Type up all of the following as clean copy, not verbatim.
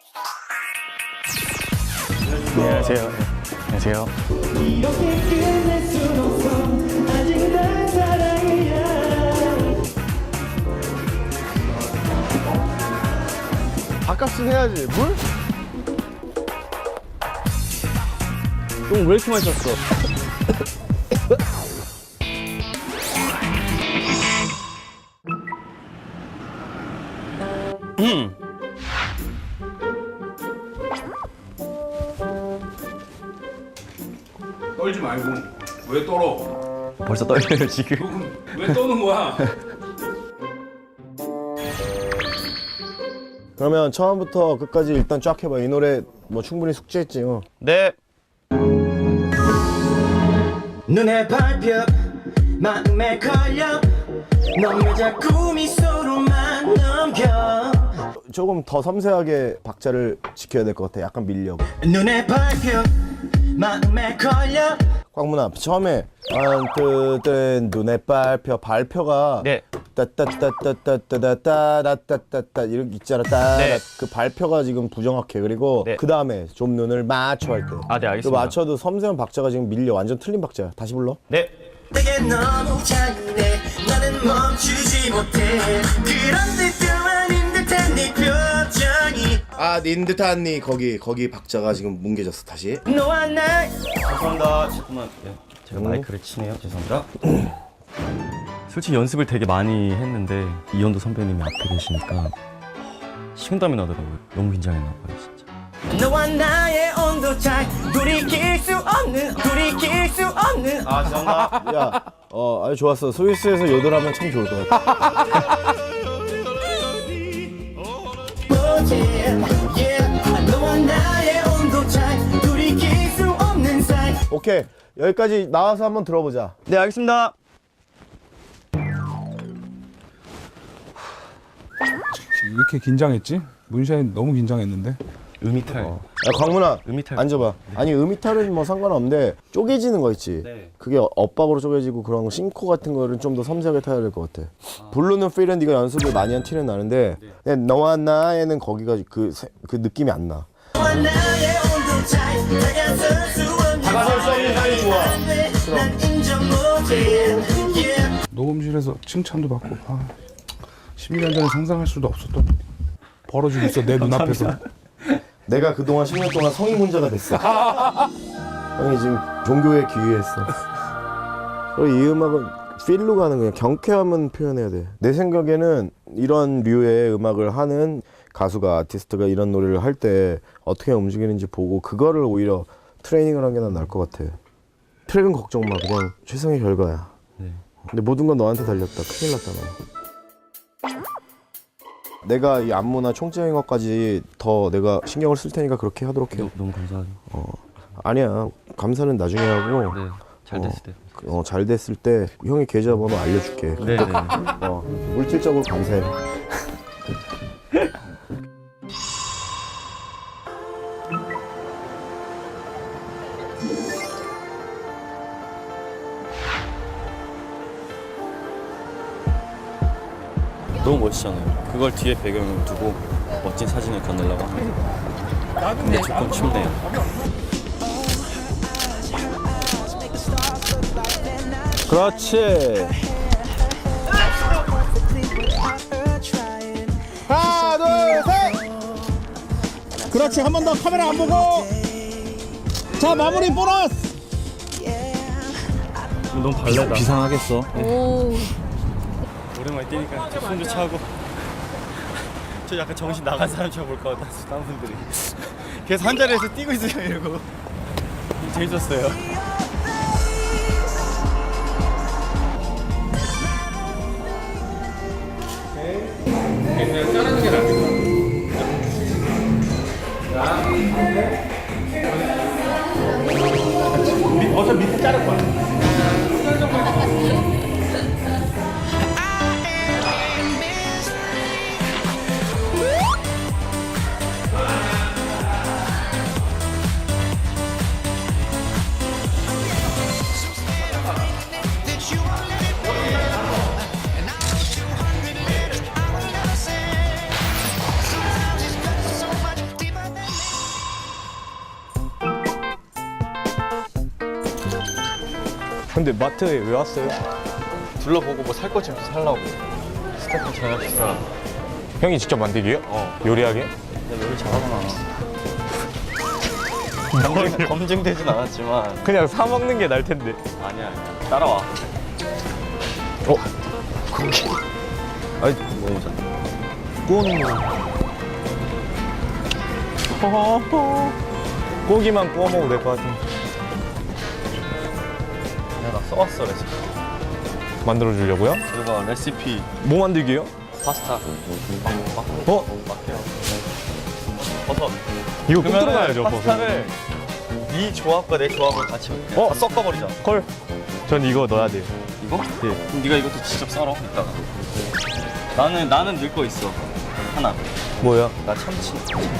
안녕하세요. 안녕하세요. 이렇게 끝낼 순 없어. 아직 날 사랑이야. 밥값은 해야지. 물? 똥 왜 이렇게 많이 쪘어? 떨지 말고 왜 떨어? 벌써 떨려요 지금. 왜 떠는 거야? 그러면 처음부터 끝까지 일단 쫙 해봐. 이 노래 뭐 충분히 숙지했지. 네. 눈에 밟혀 마음에 걸려 넌 왜 자꾸 미소로만 넘겨 조금 더 섬세하게 박자를 지켜야 될 것 같아. 약간 밀려고. 눈에 밟혀 마음에 걸려 광문아 처음에 안뜨뜬 눈에 밟혀 발표가 네. 따따따따따따따따따따 이렇게 있잖아. 따 네. 그 발표가 지금 부정확해. 그리고 네. 그 다음에 좀 눈을 맞춰 할 때. 아, 네, 그 알겠습니다. 맞춰도 섬세한 박자가 지금 밀려. 완전 틀린 박자야. 다시 불러. 네. 내게 너무 잔인해 나는 멈추지 못해 그런 듯도 아닌 듯한 네 표정이 아, 닌 듯한 니 거기 박자가 지금 뭉개졌어. 다시. 너와 나 죄송합니다. 잠깐만. 네. 제가 마이크를 치네요. 죄송합니다. 솔직히 연습을 되게 많이 했는데 이현도 선배님이 앞에 계시니까 식은땀이 나더라고요. 너무 긴장했나 봐요, 진짜. 너와 나의 온도 차이 돌이킬 수 없는 아, 죄송합니다. 야, 아주 좋았어. 스위스에서 요들하면 참 좋을 것 같아. 너와 나의 온도 차이 돌이킬 수 없는 사이 오케이. 여기까지 나와서 한번 들어보자. 네, 알겠습니다. 왜 이렇게 긴장했지? 문샤인 너무 긴장했는데. 음이탈. 야, 광문아. 음이탈. 앉아봐. 아니, 음이탈은 뭐 상관없는데 쪼개지는 거 있지. 네. 그게 엇박으로 쪼개지고 그런 거 싱코 같은 거를 좀 더 섬세하게 타야 될 것 같아. 부르는 필은 네가 연습을 많이 한 티는 나는데 그냥 너와 나에는 거기가 그 느낌이 안 나. 너와 나의 온도 차이 다가설 수 없는 다가설 수 없는 사이 좋아. 난 인정 못해 녹음실에서 칭찬도 받고 11년 전에 상상할 수도 없었던 일이 벌어지고 있어 내 눈앞에서. 내가 그동안 10년 동안 성인문자가 됐어. 형이 지금 종교에 귀의했어. 그리고 이 음악은 필로 가는 거야. 경쾌함은 표현해야 돼. 내 생각에는 이런 류의 음악을 하는 가수가 아티스트가 이런 노래를 할 때 어떻게 움직이는지 보고 그거를 오히려 트레이닝을 하는 게 난 나을 것 같아. 트랙은 걱정 마. 그냥 최선의 결과야. 네. 근데 모든 건 너한테 달렸다. 큰일 났다 너. 내가 이 안무나 총적인 것까지 더 내가 신경을 쓸 테니까 그렇게 하도록 해. 너무 감사하죠. 아니야. 감사는 나중에 하고. 네. 잘 됐을 때. 잘 됐을 때 형이 계좌번호 알려줄게. 네, 네. 물질적으로 감사해. 너무 멋있잖아요. 그걸 뒤에 배경으로 두고 멋진 사진을 건네려고 합니다. 근데 조금 춥네요. 그렇지. 하나, 둘, 셋. 그렇지. 한 번 더 카메라 안 보고. 자, 마무리 보너스. 너무 발레다. 비상하겠어. 오. 오랜만에 뛰니까 숨도 차고. 저 약간 정신 나간 사람처럼 볼 것 같았어. 다른 분들이. 계속 한 자리에서 뛰고 있어요 이러고. 재밌었어요. 그냥 자르는 게 낫겠다. 어차피 밑에 자를 거야. 근데 마트에 왜 왔어요? 둘러보고 뭐 살 거 좀 살라고. 스태프 저녁 식사. 형이 직접 만들기요? 요리하게? 내가 요리 잘하구나. 검증되진 않았지만 그냥 사 먹는 게 나을 텐데. 아니야. 따라와. 아니, 먹어보자. 구워놓은 거. 고기만 구워 먹어도 될 것 같은데. 내가 써왔어 레시피. 만들어 주려고요? 그리고 레시피 뭐 만들기요? 파스타. 어? 막해요. 버섯. 이거 꼭 그러면은 들어가야죠, 버섯. 파스타를 네 조합과 내 조합을 같이 어? 섞어버리자. 헐. 전 이거 넣어야 돼요. 이거? 예. 그럼 네가 이것도 직접 썰어 이따가. 나는 넣을 거 있어. 하나. 뭐야? 나 참치.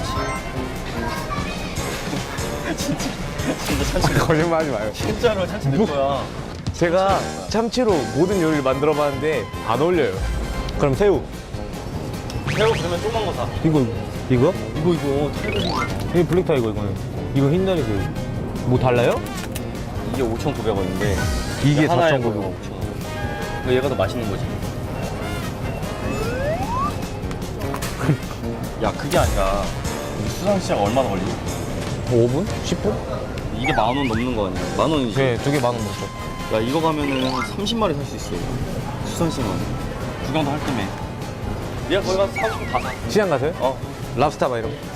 진짜 참치. 거짓말 하지 마요. 진짜로 참치 넣을 거야. 제가 참치로 모든 요리를 만들어 봤는데 안 어울려요. 그럼 새우. 새우 그러면 조그만 거 사. 이거? 이거 이게 블랙타이거 이거는. 이거 흰다리 새우. 뭐 달라요? 이게 5,900원인데 이게 하나에 4,900원. 5,000원. 얘가 더 맛있는 거지. 야 그게 아니라 수산시장 얼마나 걸리지? 5분? 10분? 이게 10,000원 넘는 거 아니야? 10,000원이지. 네, 2개 10,000원 넘죠. 야 이거 가면은 한 30마리 살 수 있어. 수산시장 구경도 할 때면. 얘가 거기 가서 사고 싶으면 다 사. 시장 가세요? 어. 랍스타 막 이런 거.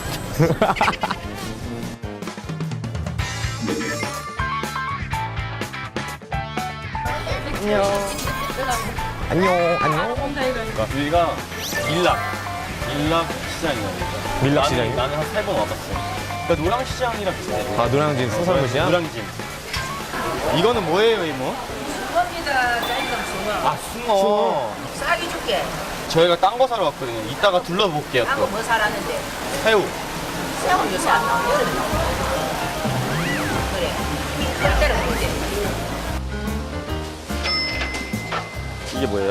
안녕. 안녕. 여기가 일락 시장이야. 밀락 시장이요? 나는 한 3번 와봤어. 그러니까 노량시장이랑 비슷해. 아, 노량진 수산물 시장? 노량진. 이거는 뭐예요, 이모? 숭어입니다. 짤감 숭어. 아, 숭어. 싸게 줄게. 저희가 딴 거 사러 왔거든요. 이따가 둘러볼게요, 딴 또. 거 뭐 사라는데? 새우. 새우 요새 안 나오고 여름에 나오고. 그래. 그럴 때는 그러지. 이게 뭐예요?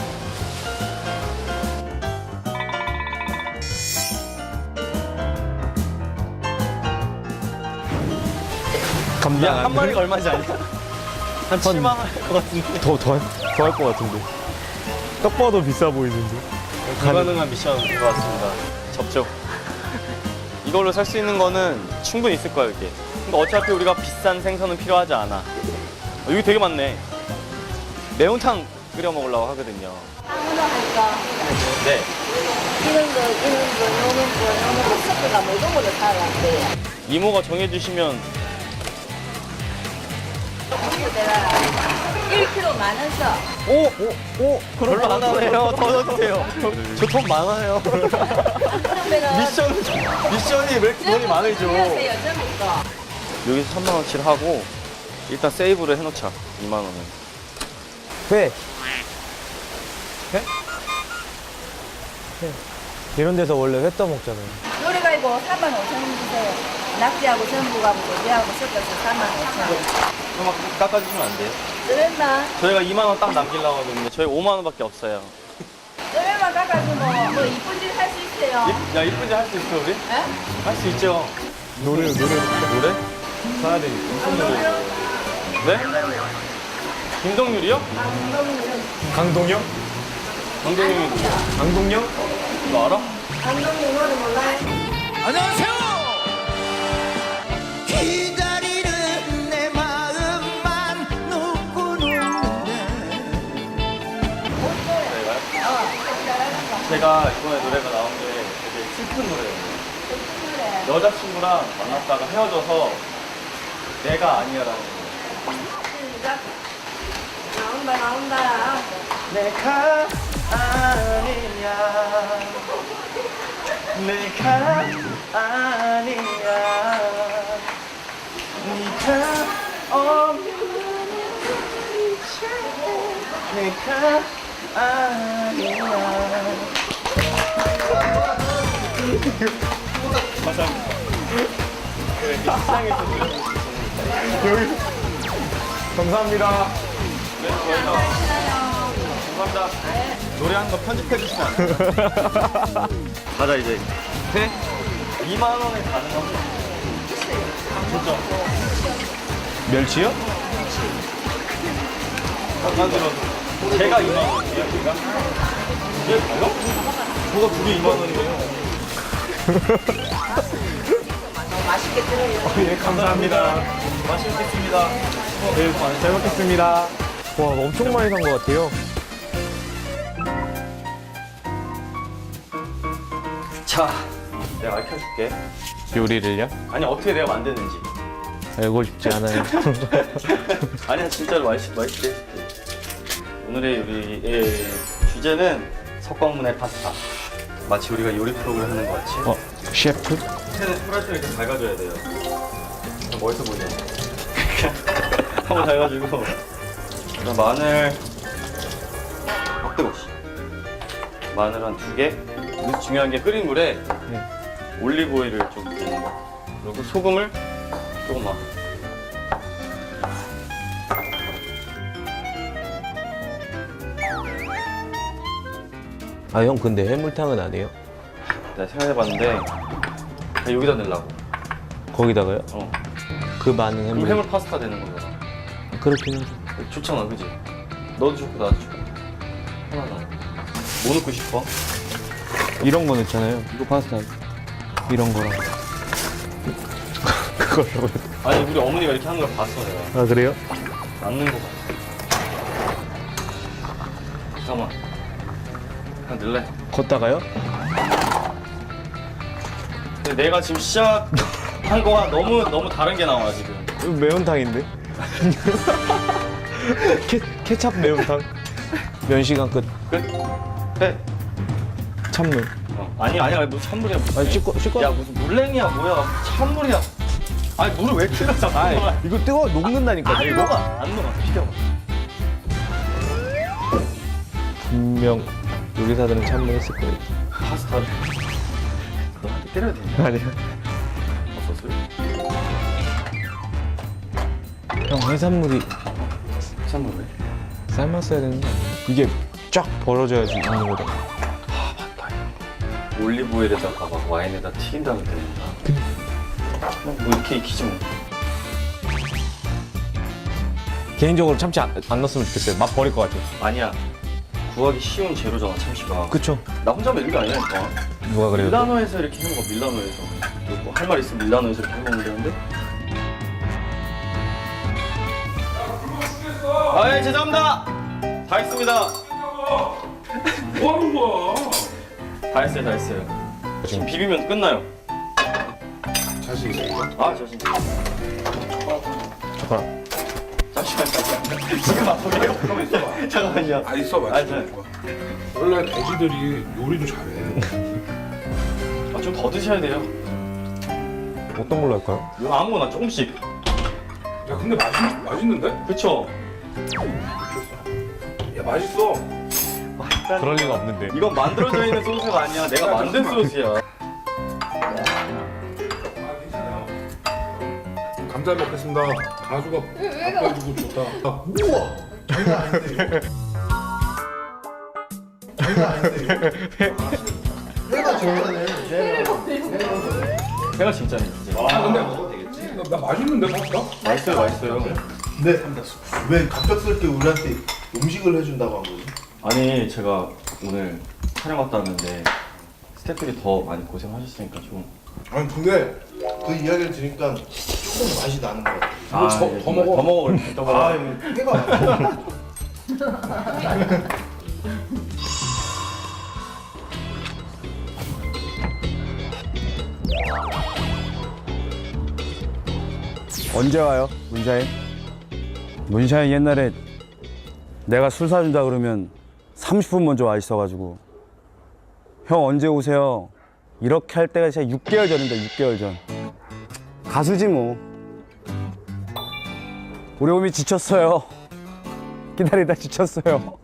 감당 야, 한 마리가 얼마지 않냐? 한 7만 원 할 것 같은데. 더할 것 같은데. 딱 봐도 비싸 보이는데. 불가능한 미션인 것 같습니다. 접촉. 이걸로 살 수 있는 거는 충분히 있을 거야, 이게. 근데 어차피 우리가 비싼 생선은 필요하지 않아. 여기 되게 많네. 매운탕 끓여 먹으려고 하거든요. 아무나 할까? 네. 이런 거, 요런 거 섞어가 모든 걸로 사왔대. 이모가 정해주시면 내가 1kg 만원 써. 오! 별로 안 하네요. 더 넣어주세요. 저 돈 많아요. 그러면은 미션이 왜 이렇게 돈이 많으죠? 안녕하세요, 전부터. 여기서 3만 원치를 하고 일단 세이브를 해놓자. 2만 원은. 회. 회? 이런 데서 원래 회 떠먹잖아요. 노래가 이거 45,000원 주세요. 낙지하고 전부하고 고기하고 섞어서 45,000원. 그럼 깎아주시면 안 돼요? 그랬나? 저희가 2만 원 딱 남기려고 하거든요. 저희 5만 원밖에 없어요. 노래만 깎아주면 뭐 이쁜 짓 할 수 있어요. 야 이쁜지 할 수 있어 우리? 예? 할 수 있죠. 노래. 노래? 사야 되니까. 무슨 노래? 네? 김동률이요? 강동영? 강동률이 누구야? 강동영? 너 알아? 감독님 노래 몰라요? 기다리는 내 마음만 누구는데 제가 이번에 노래가 나온 게 되게 슬픈 노래예요. 여자친구랑 만났다가 헤어져서 내가 아니야라는 거예요. 시작. 나온다. 내가 아니야 내가 아니야 네가 없는 이제 내가 아니야 감사합니다. 그래, 시장에서 감사합니다. 네, 감사합니다. 노래하는 거 편집해 주시면 안 돼요? 가자 이제. 네? 2만 원에 가능합니다. 진짜. 멸치요? 제가 2만 원이에요, 제가? 이게 가요? 저가 2개 2만 원이에요. 너무 맛있게 들어요. 예, 감사합니다. 맛있겠습니다. 네, 잘 먹겠습니다. 와, 엄청 많이 산 것 같아요. 자, 내가 알려줄게. 요리를요? 아니, 어떻게 내가 만드는지. 알고 싶지 않아요. 아니야, 진짜로 맛있게 해줄게. 오늘의 요리의 주제는 석광문의 파스타. 마치 우리가 요리 프로그램 하는 것 같이. 셰프? 패는 프라이팬을 이렇게 밝아줘야 돼요. 멋있어 보이네. 한번 밝아주고. 그다음 마늘. 뜨거. 마늘 한 2개. 그리고 중요한 게 끓인 물에 올리브 오일을 좀 넣는 거. 그리고 소금을 조금만. 아, 형 근데 해물탕은 안 해요? 내가 생각해봤는데 그냥 여기다 넣으려고. 거기다가요? 어. 그 많은 그럼 해물. 해물 파스타 되는 거잖아. 그렇긴 하죠. 좋잖아, 그지? 너도 좋고 나도 좋고. 하나다. 뭐 넣고 싶어? 이런 거 넣잖아요. 이거 파스타. 이런 거랑. 그거라고요? 아니, 우리 어머니가 이렇게 하는 걸 봤어, 내가. 아, 그래요? 남는 거 봤어. 잠깐만. 그냥 넣을래? 걷다가요? 근데 내가 지금 시작한 거와 너무 다른 게 나와, 지금. 이거 매운탕인데? 케찹 매운탕. 면 시간 끝. 끝? 해. 찬물. 아니야, 무슨 찬물이야, 무슨. 아니, 씻고. 야, 무슨 물냉이야, 뭐야. 찬물이야. 아니, 물을 왜 틀어, 아이, 잠깐만. 이거 뜨거워 녹는다니까. 안 녹아, 비켜봐. 분명 요리사들은 찬물 했을 거예요. 파스타를. 너한테 때려야 되냐? 아니요. 없었어요? 형 해산물이 찬물 왜? 삶았어야 되는 거 아니에요? 이게 쫙 벌어져야지 있는 거다. 올리브 오일에다가 막 와인에다 튀긴 다음에 되는다. 뭐 이렇게 익히지 뭐. 개인적으로 참치 안 넣었으면 좋겠어요. 맛 버릴 것 같아요. 아니야. 구하기 쉬운 재료잖아, 참치가. 그쵸? 나 혼자만 이런 게 아니라니까. 누가 그래요? 밀라노에서 이렇게 해먹어, 밀라노에서. 뭐 할 말 있으면 밀라노에서 이렇게 해먹으면 되는데. 아, 예, 죄송합니다. 다 했습니다. 뭐 하는 거야? 다 했어요. 지금 비비면 끝나요. 자신 있어? 아, 자신. 잠깐만. 잠시만. 지금 맛보게요. 잠깐만요. 아 있어 아니, 맞지? 원래 돼지들이 요리도 잘해. 아, 좀 더 드셔야 돼요. 어떤 걸로 할까요? 이거 아무거나 조금씩. 야 근데 맛있는데? 그쵸? 야 맛있어. 그럴 리가 없는데. 이건 만들어져 있는 소스가 아니야. 내가 만든 소스야. 아 괜찮아요. 감자 먹겠습니다. 가수가 바꿔주고 좋다. 우와! 장난 아닌데 이거? 장난 아닌데 이거? 내가 좋아하네. 내가 진짜네, 진짜. 아 근데 나 맛있는데 파스타? 맛있어요. 근데 왜 갑작스럽게 우리한테 음식을 해준다고 한 거지? 아니, 제가 오늘 촬영 왔다 왔는데 스태프들이 더 많이 고생하셨으니까 좀. 아니 근데 그 이야기를 들으니까 조금 맛이 나는 것 같아. 이거 더 먹어. 더 먹어. 더 먹어. 아, 이거 해가. 언제 와요, 문샤인? 문샤인 옛날에 내가 술 사준다 그러면 30분 먼저 와 있어가지고 형 언제 오세요? 이렇게 할 때가 진짜 6개월 전인데 6개월 전. 가수지 뭐. 우리 몸이 지쳤어요. 기다리다 지쳤어요.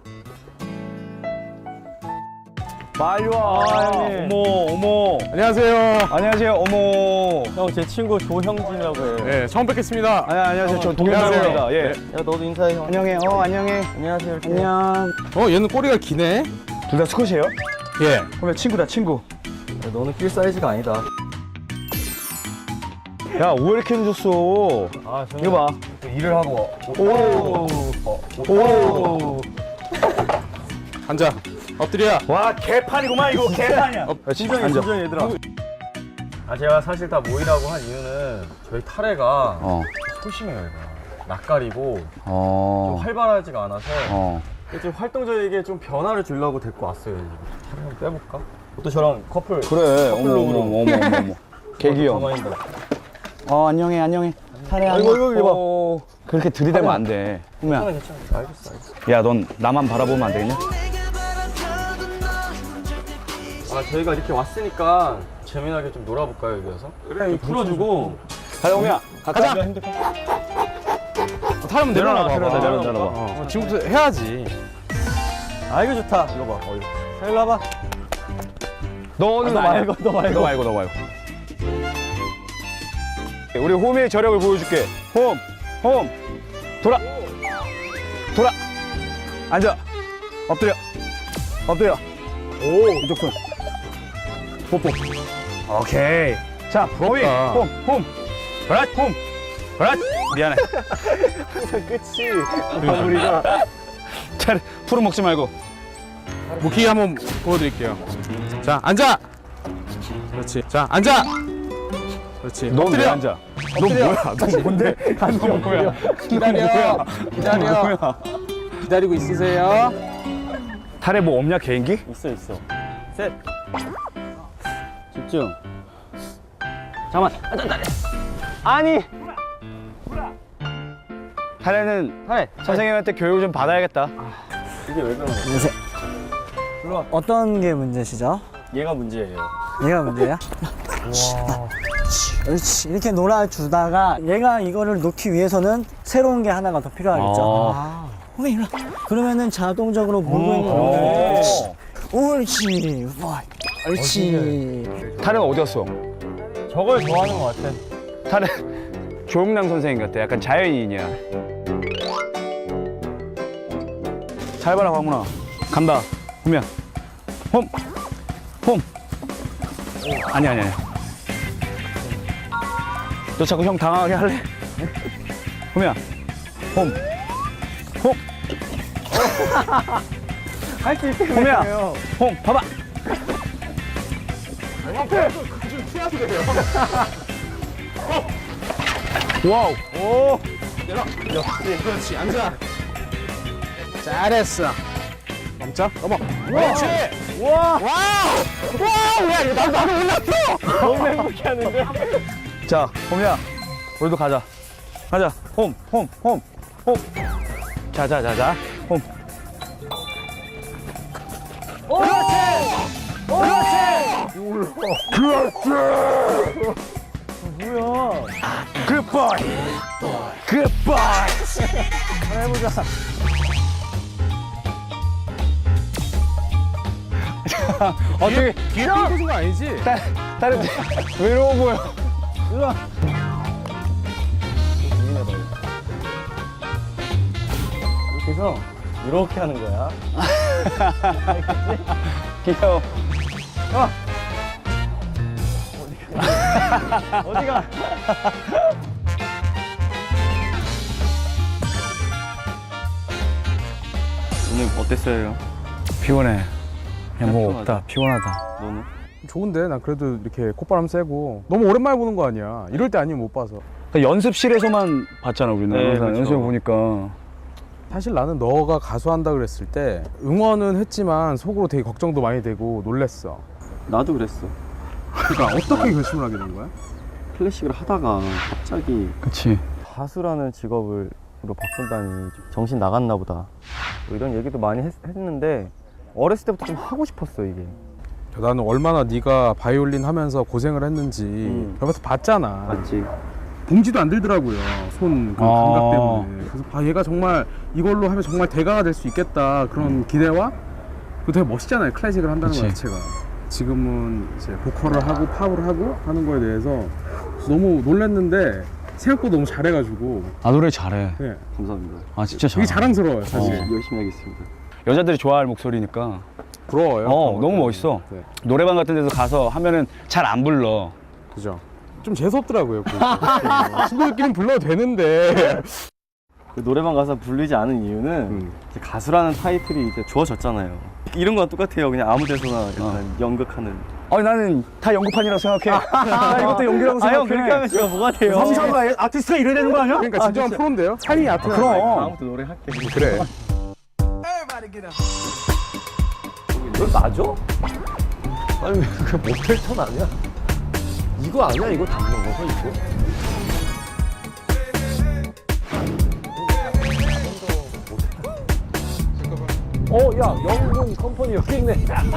빨리 와, 형님. 어머. 안녕하세요. 안녕하세요. 어머. 형, 제 친구 조형진이라고 해요. 네, 처음 뵙겠습니다. 안녕하세요. 저 안녕하세요. 동현입니다. 예. 야, 너도 인사해, 형. 안녕해. 안녕해. 안녕하세요. 안녕. 얘는 꼬리가 기네. 둘 다 스컷이에요? 예. 그러면 친구다, 친구. 너는 낄 사이즈가 아니다. 야, 왜 이렇게 늦었어? 아, 이거 봐. 일을 하고. 오. 오. 앉아. 엎드려. 와 개판이구만 이거 개판이야. 진정해 진정해 얘들아. 아 제가 사실 다 모이라고 한 이유는 저희 타레가 소심해요 얘가. 낯가리고 좀 활발하지가 않아서 좀 활동적이게 좀 변화를 주려고 데리고 왔어요. 타레 한번 빼볼까? 또 저랑 커플. 그래. 어머. 개귀여워. 가만히 있다. 안녕해 안녕해. 타래 아이고, 그렇게 들이대면 안 돼. 호미야. 괜찮아. 알겠어. 야 넌 나만 바라보면 안 되겠냐? 아 저희가 이렇게 왔으니까 재미나게 좀 놀아볼까요 여기 와서? 그래. 좀 풀어주고. 가자 호미야. 가자. 타면 내려놔 봐. 내려놔. 지금부터 해야지. 아 이거 좋다. 이거 봐. 자 일로 와봐. 너 말고. 우리 호미의 저력을 보여줄게. 홈. 돌아. 앉아. 엎드려. 오. 이쪽 손. 뽀뽀. 오케이. 자, 호미. 홈. 그렇지. 미안해. 끝이 마무리가. 잘 풀어 먹지 말고. 무키 한번 보여드릴게요. 자, 앉아. 그렇지. 자, 앉아. 그렇지. 넌 왜 엎드려. 앉아? 너 뭐야? 너 뭔데? 너 뭐야? 기다려. 기다리고 있으세요. 탈에 뭐 없냐 개인기? 있어. 셋. 집중. 잠깐만. 아니. 탈에는 타레. 선생님한테 교육을 좀 받아야겠다. 이게 왜 그런 거야? 어떤 게 문제시죠? 얘가 문제예요. 얘가 문제야? 그렇지. 이렇게 놀아주다가 얘가 이거를 놓기 위해서는 새로운 게 하나가 더 필요하겠죠. 호미 일로 와. 그러면은 자동적으로 물고 있는 거예요. 옳지. 와. 옳지. 탈은 어디 갔어? 저걸 좋아하는 것 같아. 탈은 조용남 선생님 같아. 약간 자연인이야. 잘 봐라 광문아. 간다. 호미야. 홈. 아니야. 너 자꾸 형 당황하게 할래? 호미야. 홈. 할 수 있게. 호미야. 홈. 봐봐. 와우. 오. 그렇지. 앉아. 잘했어. 넘자. 넘어. 그렇지. 와. 와우. 야, 이거 나도 올랐어. 너무 행복해 하는데. 자, 호미야. 우리도 가자. 홈. 자. 홈. 굿바이. 해보자. 어떻게 뒤에 꽂은 거 아니지? 다른 외로워 보여. 이렇게 해서 이렇게 하는 거야. 귀여워. 어디가? 오늘 어땠어요? 피곤해. 그냥 뭐 피곤하다. 없다. 피곤하다. 너는? 좋은데 난 그래도 이렇게 콧바람 쐬고 너무 오랜만에 보는 거 아니야. 이럴 때 아니면 못 봐서. 그러니까 연습실에서만 봤잖아 우리는. 네, 항상 그쵸. 연습을 보니까. 사실 나는 너가 가수한다 그랬을 때 응원은 했지만 속으로 되게 걱정도 많이 되고 놀랬어. 나도 그랬어. 그러니까 어떻게 결심을 하게 된 거야? 클래식을 하다가 갑자기 그치. 가수라는 직업으로 바꾼다니 좀 정신 나갔나 보다. 뭐 이런 얘기도 많이 했는데 어렸을 때부터 좀 하고 싶었어 이게. 나는 얼마나 네가 바이올린 하면서 고생을 했는지 옆에서 봤잖아. 맞지? 봉지도 안 들더라고요. 손 그 감각 때문에. 그래서 아 얘가 정말 이걸로 하면 정말 대가가 될 수 있겠다 그런 기대와 그 되게 멋있잖아요. 클래식을 한다는 것 그치. 자체가. 지금은 이제 보컬을 하고 팝을 하고 하는 거에 대해서 너무 놀랐는데 생각보다 너무 잘해가지고 아 노래 잘해. 네. 감사합니다. 아 진짜 되게 잘해. 자랑스러워요 사실. 열심히 하겠습니다. 여자들이 좋아할 목소리니까. 부러워요. 너무 멋있어. 네. 노래방 같은 데서 가서 하면은 잘 안 불러. 그죠. 좀 재수없더라고요. 친구들끼리는 불러도 되는데 그 노래방 가서 부르지 않은 이유는 이제 가수라는 타이틀이 이제 주어졌잖아요. 이런 거랑 똑같아요. 그냥 아무 데서나 약간 연극하는. 아니 나는 다 연구판이라고 생각해. 나 이것도 연기라고 생각해. 형 그렇게 하면 제가 뭐가 돼요? 성사가 아티스트가 이래야 되는 거 아니야? 그러니까 진정한 프로인데요? 살이 아트가 그럼. 다음부터 노래할게. 그래. 이거 맞아? 아니 그 모텔 턴 아니야? 이거 아니야? 이거 담는 거서 이거? 야 영문 컴퍼니 여기 있네.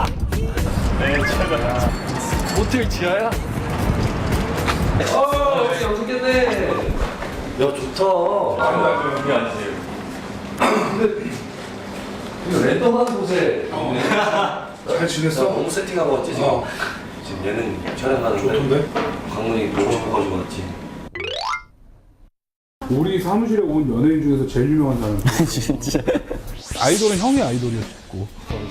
모텔 지하야? 야 좋다. 여기 앉으세요. 이거 랜덤한 곳에 잘 지냈어? 너무 세팅하고 왔지 지금. 지금 얘는 촬영하는데 좋던데? 강문이 보고 싶어가지고 왔지. 우리 사무실에 온 연예인 중에서 제일 유명한 사람. 진짜. 아이돌은 형이 아이돌이었고.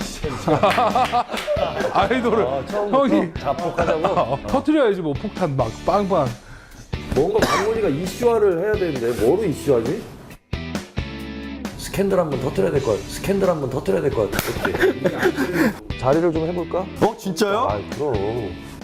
아이돌은 형이 자폭하자고. 터트려야지 뭐 폭탄 막 빵빵. 뭔가 강문이가 이슈화를 해야 되는데 뭐로 이슈화지? 스캔들 한번 터트려야 될 것 같아. 스캔들 한번 터트려야 될 것 같아. 그치? 자리를 좀 해볼까? 진짜요? 아 그럼.